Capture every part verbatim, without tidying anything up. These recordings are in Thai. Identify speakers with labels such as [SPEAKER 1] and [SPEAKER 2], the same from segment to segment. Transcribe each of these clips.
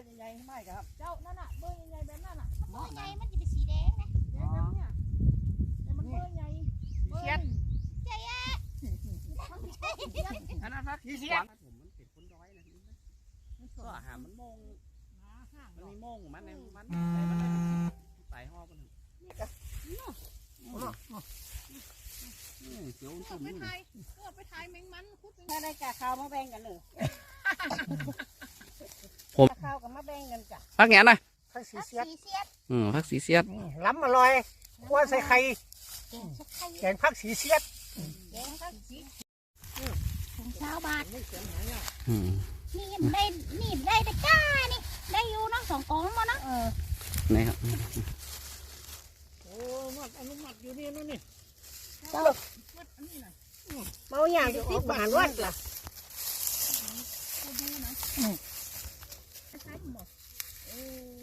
[SPEAKER 1] ร์ใหญ่ๆไม่ครับ
[SPEAKER 2] เจ้านั่นน่ะเบอร์ใหญ่ๆแบบนั้นน่ะ
[SPEAKER 3] เบอร์ใหญ่มันจะเป็นสีแดงนะ
[SPEAKER 2] แดงแบบเนี้ยแต่มันเบอร์ใหญ่เชียด
[SPEAKER 3] ใจอ่ะ
[SPEAKER 1] อันนั้นพักที่เสียผมมันเป็นคนร้อยนะก็หามันมงมันมีมงมันในมันใส่มันใส่ห่อมันนี่ก็เสียวตุ่ม
[SPEAKER 2] ไป
[SPEAKER 1] นี่
[SPEAKER 2] ถ่ายเออไปถ่ายแมงมันคุด
[SPEAKER 4] ถ้าได้กะข้าวมาแบ่งกันเลยข้าวกับมาแบ่งกันจ้ะ
[SPEAKER 1] พักเงี้ยนะ
[SPEAKER 4] ผักสีเสียด
[SPEAKER 3] สีเสียด
[SPEAKER 1] อืมพักสีเสียด
[SPEAKER 4] ล้ำอร่อยกวนใส่ไข่
[SPEAKER 3] แกงสักไข่
[SPEAKER 4] แกงผักสีเสียด
[SPEAKER 3] แกงสักสีของชาวบาท
[SPEAKER 1] อืม
[SPEAKER 3] นี่ได้นี่ได้แต่ก้านี่ได้อยู่เนาะสองกองมั้งเนาะ
[SPEAKER 1] นี่ครับ
[SPEAKER 4] โอ้มัดอนุมัติอยู่นี่นู่นนี่
[SPEAKER 2] วัดอันนี้น่ะ
[SPEAKER 4] เมาอย่างจะติดบานวัดล่ะ
[SPEAKER 2] เขาดูนะใช่หมดเออ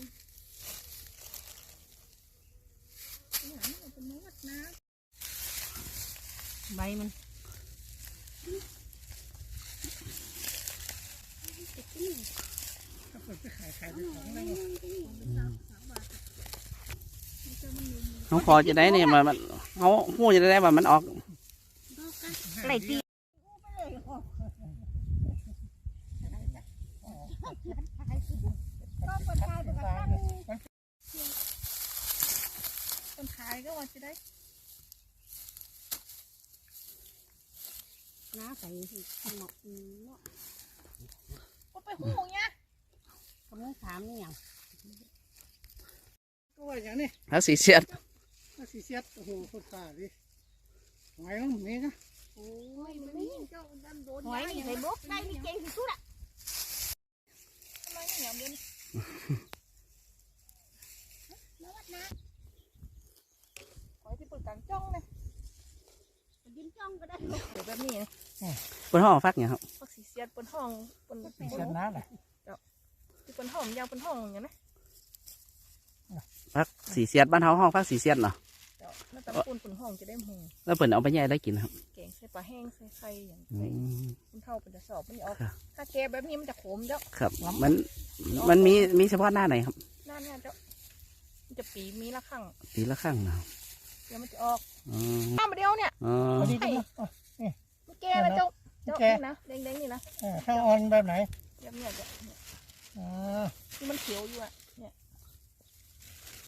[SPEAKER 2] นี่หานี่เป็นวัดนะ
[SPEAKER 4] ใบมัน
[SPEAKER 1] เขาพอจะได้เนี่ยมันเขาหูจะได้ว่ามันออก
[SPEAKER 4] ไหลตี
[SPEAKER 2] ก็คนขายปกติคนขายก็ว่าจะได้
[SPEAKER 4] น้าใส่หมก
[SPEAKER 2] ก็ไปหูเงี้ย
[SPEAKER 4] กำลังถามนี่อย่าง
[SPEAKER 5] ก็ว่าอย่างนี้
[SPEAKER 1] พักสีเสียด
[SPEAKER 5] ถ้าสีเสียดโอ้โหโคตรขาดิหอยต้องมีนะ
[SPEAKER 2] โอ้ยมันนี่เจ้าดันโดน
[SPEAKER 3] หอยนี่ใส่บกได้นี่เก่งที่สุดอ่ะ
[SPEAKER 2] ทำไมเนี่ยอย่างเดียว
[SPEAKER 3] แล้ววัดนะ
[SPEAKER 2] หอยที่เปิดกลางจ้องเลย
[SPEAKER 3] ดินจ้องก็ได้
[SPEAKER 2] เดี๋ยวแบบนี้
[SPEAKER 1] บนห้องฟักเนี่ยครับ
[SPEAKER 2] พักสีเสียดบนห้องบน
[SPEAKER 5] สีเสียดน้าแหละ
[SPEAKER 2] ที่บนห้องยาวบนห้องอย่างนี้นะ
[SPEAKER 1] พักสีเสียดบ้านเขาห้องพักสีเสียดเนาะ
[SPEAKER 2] เจ้าแล้วแต่ปูนบนห้องจะได้หู
[SPEAKER 1] แล้วเปิดเอาไปแย่ได้กินครับ
[SPEAKER 2] แกงใส่ปลาแห้งใส่ไข่อย่าง
[SPEAKER 1] อื
[SPEAKER 2] ใส่
[SPEAKER 1] ม
[SPEAKER 2] คุณเท่าเป็นจะสอบมันออกถ้าแกแบบนี้มันจะขมเจ้า
[SPEAKER 1] ครับมันมันมีมีเฉพาะหน้าไหนครับ
[SPEAKER 2] หน้าเนี่ยเจ้ามันจะปีมีละข้าง
[SPEAKER 1] ปีละข้างเนาะ
[SPEAKER 2] เดี๋ยวมันจะออก
[SPEAKER 1] อืม
[SPEAKER 2] หน้ามาเดียวเนี่ย
[SPEAKER 1] อ๋อ
[SPEAKER 5] พอดีกันนะ
[SPEAKER 2] มันแกแล้วเจ้าเจ้านี่นะแดงๆนี่นะ
[SPEAKER 5] ข้าวอ่อนแบบไหน
[SPEAKER 2] แบบเนี้ยเจ้า
[SPEAKER 5] อ่า
[SPEAKER 2] ที่มันเขียวอยู่อ่ะ